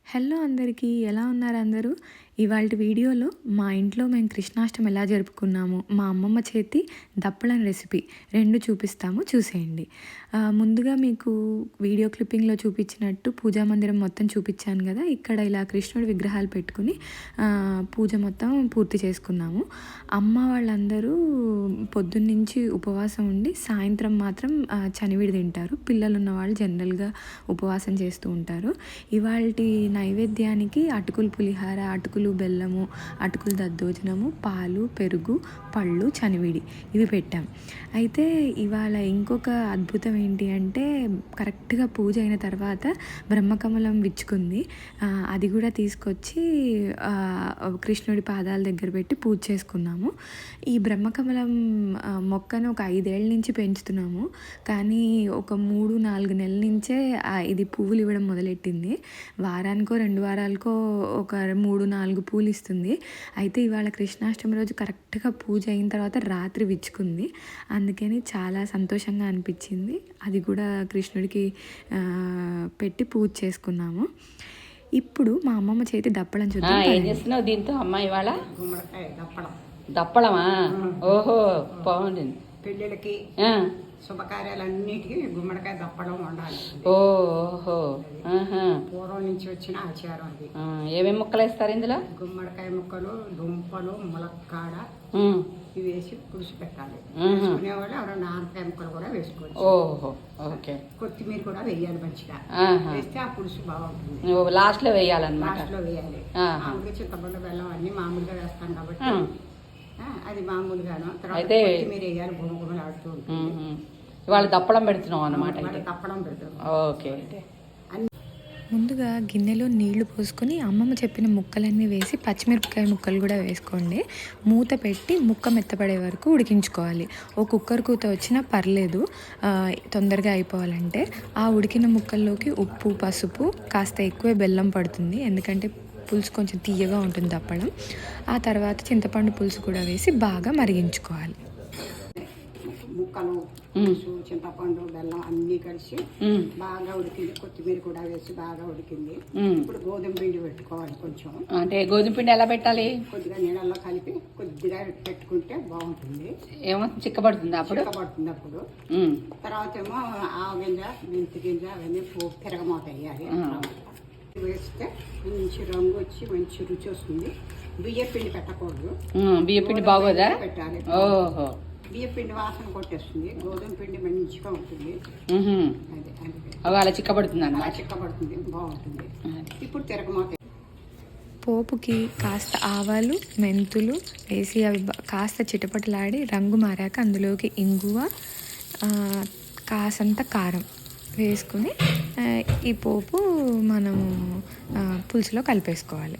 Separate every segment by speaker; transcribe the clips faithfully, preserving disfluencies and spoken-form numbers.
Speaker 1: Hello అందరికీ, ఎలా ఉన్నారు అందరూ? ఇవాల్టి వీడియోలో మా ఇంట్లో మేము కృష్ణాష్టమి ఎలా జరుపుకున్నాము, మా అమ్మమ్మ చేతి దప్పలం రెసిపీ రెండు చూపిస్తాము, చూసేయండి. ముందుగా మీకు వీడియో క్లిప్పింగ్లో చూపించినట్టు పూజా మందిరం మొత్తం చూపించాను కదా. ఇక్కడ ఇలా కృష్ణుడి విగ్రహాలు పెట్టుకుని పూజ మొత్తం పూర్తి చేసుకున్నాము. అమ్మ వాళ్ళందరూ పొద్దున్నుంచి ఉపవాసం ఉండి సాయంత్రం మాత్రం చనివిడి తింటారు. పిల్లలు ఉన్న వాళ్ళు జనరల్గా ఉపవాసం చేస్తూ ఉంటారు. ఇవాల్టి నైవేద్యానికి అటుకులు పులిహార, అటుకులు బెల్లము, అటుకులు దద్దోజనము, పాలు, పెరుగు, పళ్ళు, చనివిడి ఇవి పెట్టాం. అయితే ఇవాళ ఇంకొక అద్భుతం ఏంటి అంటే, కరెక్ట్గా పూజ అయిన తర్వాత బ్రహ్మకమలం విచ్చుకుంది. అది కూడా తీసుకొచ్చి కృష్ణుడి పాదాల దగ్గర పెట్టి పూజ చేసుకున్నాము. ఈ బ్రహ్మకమలం మొక్కను ఒక ఐదేళ్ళ నుంచి పెంచుతున్నాము, కానీ ఒక మూడు నాలుగు నెలల నుంచే ఇది పువ్వులు ఇవ్వడం మొదలెట్టింది. వారానికో రెండు వారాలకో ఒక మూడు నాలుగు పూలు ఇస్తుంది. అయితే ఇవాళ కృష్ణాష్టమి రోజు కరెక్ట్గా పూజ అయిన తర్వాత రాత్రి విచ్చుకుంది. అందుకని చాలా సంతోషంగా అనిపించింది. అది కూడా కృష్ణుడికి పెట్టి పూజ చేసుకున్నాము. ఇప్పుడు మా అమ్మమ్మ చేతి దప్పడం చూద్దాం.
Speaker 2: ఏం చేస్తున్నావు దీంతో అమ్మ? ఇవాళ దప్పడమా? ఓహో, బాగుంది.
Speaker 3: పెళ్ళిళ్ళకి శుభకార్యాలన్నిటికీ గుమ్మడికాయ దప్పడం ఉండాలి.
Speaker 2: ఓహో,
Speaker 3: పూర్వం నుంచి వచ్చిన ఆచారం అది.
Speaker 2: ఏమేమి ముక్కలు వేస్తారు ఇందులో?
Speaker 3: గుమ్మడికాయ ముక్కలు, దుంపలు, ములక్కాడ ఇవి వేసి పులుసు పెట్టాలి. వేసుకునేవాళ్ళు ఎవరైనా ఆనకాయ ముక్కలు కూడా వేసుకోవచ్చు.
Speaker 2: ఓహో, ఓకే.
Speaker 3: కొత్తిమీర కూడా వేయాలి మంచిగా. వేస్తే ఆ పులుసు బాగుంటుంది.
Speaker 2: లాస్ట్ లో వేయాలన్నమాట.
Speaker 3: లాస్ట్ లో వేయాలి. మామూలుగా చింతపండు, బెల్లం అన్ని మామూలుగా వేస్తాం కాబట్టి అది మామూలుగాను. తర్వాత కొత్తిమీర వేయాలి, గుమగుమలు ఆడుతూ ఉంటుంది.
Speaker 2: ఇవాళ దప్పడం పెడుతున్నాం అన్నమాట.
Speaker 3: దప్పడం పెడుతున్నాం.
Speaker 2: ఓకే.
Speaker 1: ముందుగా గిన్నెలో నీళ్లు పోసుకొని అమ్మమ్మ చెప్పిన ముక్కలన్నీ వేసి పచ్చిమిరపకాయ ముక్కలు కూడా వేసుకోండి. మూత పెట్టి ముక్క మెత్తపడే వరకు ఉడికించుకోవాలి. ఓ కుక్కర్ కూత వచ్చినా పర్లేదు, తొందరగా అయిపోవాలంటే. ఆ ఉడికిన ముక్కల్లోకి ఉప్పు, పసుపు, కాస్త ఎక్కువే బెల్లం పడుతుంది, ఎందుకంటే పులుసు కొంచెం తీయగా ఉంటుంది దప్పడం. ఆ తర్వాత చింతపండు పులుసు కూడా వేసి బాగా మరిగించుకోవాలి.
Speaker 3: ముక్కలు, పులుసు, చింతపండు, బెల్లం అన్నీ కలిసి బాగా ఉడికింది. కొత్తిమీర కూడా వేసి బాగా ఉడికింది. ఇప్పుడు గోధుమ పిండి పెట్టుకోవాలి. కొంచెం అంటే
Speaker 2: గోధుమ పిండి ఎలా పెట్టాలి?
Speaker 3: కొద్దిగా నీళ్ళల్లో కలిపి కొద్దిగా పెట్టుకుంటే బాగుంటుంది.
Speaker 2: ఏమో చిక్కబడుతుంది అప్పుడు.
Speaker 3: చిక్కబడుతుంది అప్పుడు. తర్వాత ఏమో ఆవ గింజ, మెంతి గింజ అవన్నీ తిరగమూత వేయాలి. వేస్తే మంచి రంగు వచ్చి మంచి రుచి వస్తుంది. బియ్య పిండి పెట్టకూడదు.
Speaker 2: బియ్య పిండి బాగోదా?
Speaker 3: పెట్టాలి.
Speaker 2: ఓహో,
Speaker 3: బియ్య పిండి వాసన కొట్టేస్తుంది. గోధుమ పిండి మంచిగా ఉంటుంది.
Speaker 2: అవి అలా చిక్కబడుతుంది అన్నమాట.
Speaker 3: చిక్కబడుతుంది, బాగుంటుంది. ఇప్పుడు తిరగమాత.
Speaker 1: పోపుకి కాస్త ఆవాలు, మెంతులు వేసి అవి కాస్త చిటపటలాడి రంగు మారాక అందులోకి ఇంగువ, కాసంత కారం వేసుకుని ఈ పోపు మనము పులుసులో కలిపేసుకోవాలి.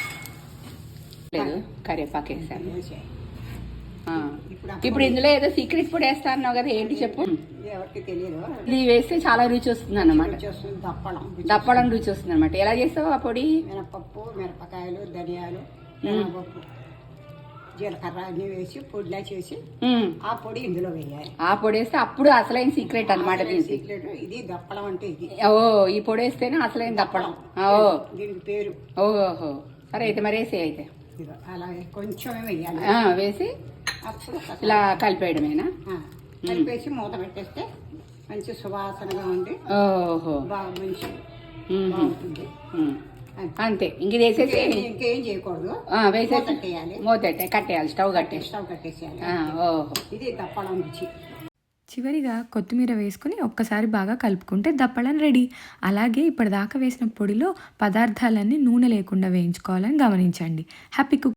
Speaker 2: కరివేపాకు వేసాను. ఇప్పుడు ఇందులో ఏదో సీక్రెట్ పొడి వేస్తా అన్నావు కదా, ఏంటి చెప్పు?
Speaker 3: ఎవరికి తెలియదు.
Speaker 2: ఇది వేస్తే చాలా రుచి వస్తుంది అన్నమాట.
Speaker 3: దప్పడం
Speaker 2: దప్పడం రుచి వస్తుంది అనమాట. ఎలా చేస్తావు ఆ పొడి?
Speaker 3: మినపప్పు, మిరపకాయలు, ధనియాలు, మినపప్పు, జీలకర్ర అన్ని వేసి పొడిలా చేసి ఆ పొడి ఇందులో వేయాలి.
Speaker 2: ఆ పొడి వేస్తే అప్పుడు అసలైన సీక్రెట్ అనమాట.
Speaker 3: సీక్రెట్ ఇది. దప్పడం అంటే ఇది.
Speaker 2: ఓ, ఈ పొడి వేస్తేనే అసలైన దప్పడం. ఓ,
Speaker 3: దీనికి పేరు.
Speaker 2: ఓహో, సరే అయితే మరి వేసి అయితే
Speaker 3: అలా కొంచెం వేయాలి.
Speaker 2: వేసి
Speaker 3: అప్పుడు
Speaker 2: ఇలా కలిపేయడమేనా?
Speaker 3: కలిపేసి మూత పెట్టేస్తే మంచి సువాసనగా ఉండి
Speaker 2: ఓహో
Speaker 3: బాగా మంచి బాగుంటుంది.
Speaker 2: అంతే. ఇంక వేసేసి
Speaker 3: ఇంకేం చేయకూడదు.
Speaker 2: వేసేసి మూత కట్టేయాలి. స్టవ్ కట్టేసి
Speaker 3: స్టవ్ కట్టేసేయాలి.
Speaker 2: ఓహో,
Speaker 3: ఇది దప్పడం రుచి.
Speaker 1: చివరిగా కొత్తిమీర వేసుకుని ఒక్కసారి బాగా కలుపుకుంటే దప్పడం రెడీ. అలాగే ఇప్పటిదాకా వేసిన పొడిలో పదార్థాలన్నీ నూనె లేకుండా వేయించుకోవాలని గమనించండి. Happy cook.